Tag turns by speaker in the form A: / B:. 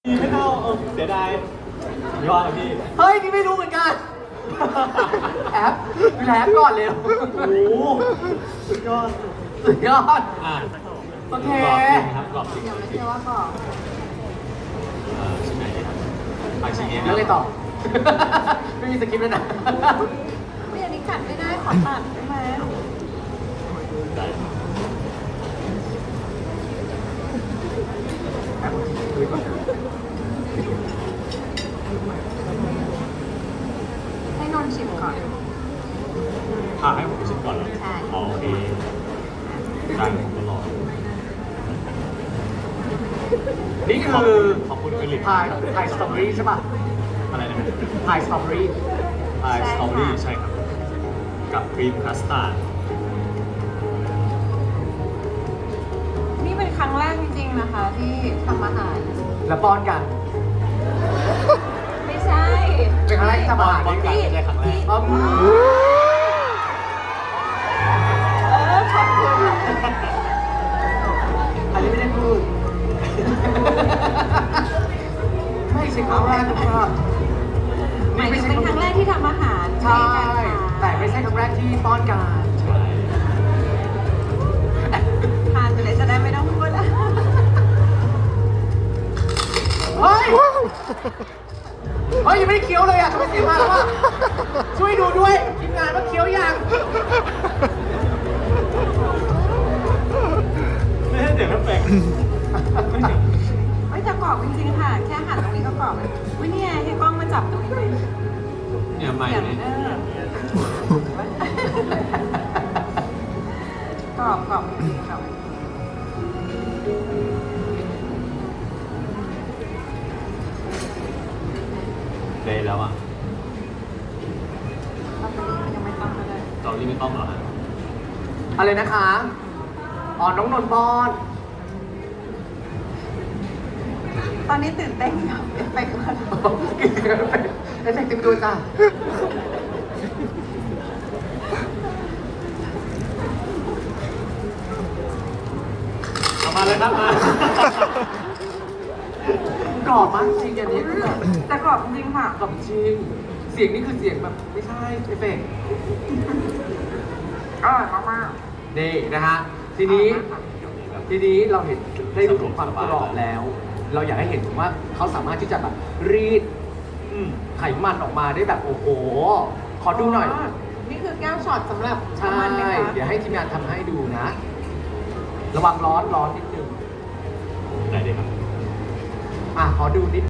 A: ไม่เข้าเสียดายยอดครับพี่
B: เฮ้ยนี่ไม่รู้เหมือนกัน แอปแอปก่อนเร็ว
A: โอ้โหสุดยอด
B: สุดยอด โอเค
A: กรอบจริงครับกรอบจริง
C: ยังไม่เชื่อว่าก่อน
A: ชิ้นไหนดีครับไปชิ้นนี้
B: แล้วเลยต่อ ไม่มีสคริปต์แล้วนะ
C: ไม่อันนี้กัดไม่ได้ขอตัดได้ไหม
A: ได้
C: ให้นนท์ชิมก่อน
A: ให้ผมชิมก่อนเหรอ
C: ใช่
A: โอเคได้ผมก็รอ
B: นี่คือ
A: ขอบคุณฟิลิป
B: พายสตรอเบอรี่ใช่ป่ะ
A: อะไรนะ
B: พายสตรอเบอรี่
A: พายสตรอเบอรี่ใช่ครับ กับครีมคัสตาร์ด
C: นี่เป็นครั้งแรกจริงๆนะคะ ที่ทำอาหาร
B: แล้วป้อนกัน
C: ไม่ใช่
B: เป็นครั้งแรกที่ทำอาหาร
A: ป้อนกันไม่ใช่ครั้งแรก
B: อ๋อ
C: ขอบคุณ
B: อันนี้ไม่ได้พูด ไม่ใช่ครั้งแรกนะครับ
C: หมายถึงเป็นครั้งแรกที่ทำอาหาร
B: ใช่ แต่ไม่ใช่ครั้งแรกที่ป้อนกัน
A: ใช่
C: ทานไปเลยจะได้ไม่ต้องพูดแล้ว
B: เฮ้ย เฮ้ยยังไม่ได้เคี้ยวเลยอ่ะทำไมเสียงมาแล้วอ่ะช่วยดูด้วยทีมงานว่าเคี้ยวยัง
A: ไม่ใช่เสียงเอฟเฟกต์
C: ไม่จะกรอบจริงๆค่ะ แค่หั่นตรงนี้ก็กรอบเลยวิเนี่ยให้กล้องมาจับตรงนี้ไหม
A: เนี่ยไม่
C: อย่าง
A: เนี่ย
C: กรอบกรอบจริงๆค่ะ
A: เลยแล้วอ่ะ
C: ยังไม่ต้องก็ได้
A: ตอนนี้ไม่ต้องหรอฮะ
B: อะไรนะคะ อ๋อ น้องนนท์ป้อน
C: ตอนนี้ตื่นเต้นกับเอฟเฟกต์มาก
B: เอฟเฟกต์เต็มตัวจ้ะ
A: เอามาเลยครับมาก
B: รอบมากจริงอันนี้คือแบบ
C: แต่กรอบจริงค่ะ
B: กรอบจริง เสียงนี่คือเสียงแบบไม่ใช่เอฟเฟกต์
C: อร่อยมาก
B: นี่นะฮะ ทีนี้เราเห็นได้รู้ถึงความกรอบแล้ว เราอยากให้เห็นถึงว่าเขาสามารถที่จะแบบรีด
A: อืม
B: ไขมันออกมาได้แบบโอ้โห ขอดูหน่อย
C: นี่คือแก้วช็อตสำหรับ
B: ใช่
C: น้ำมันไหมคะ
B: เดี๋ยวให้ทีมงานทำให้ดูนะ ระวังร้อนนิดนึง
A: ได้เลยครับ
B: ขอดูนิด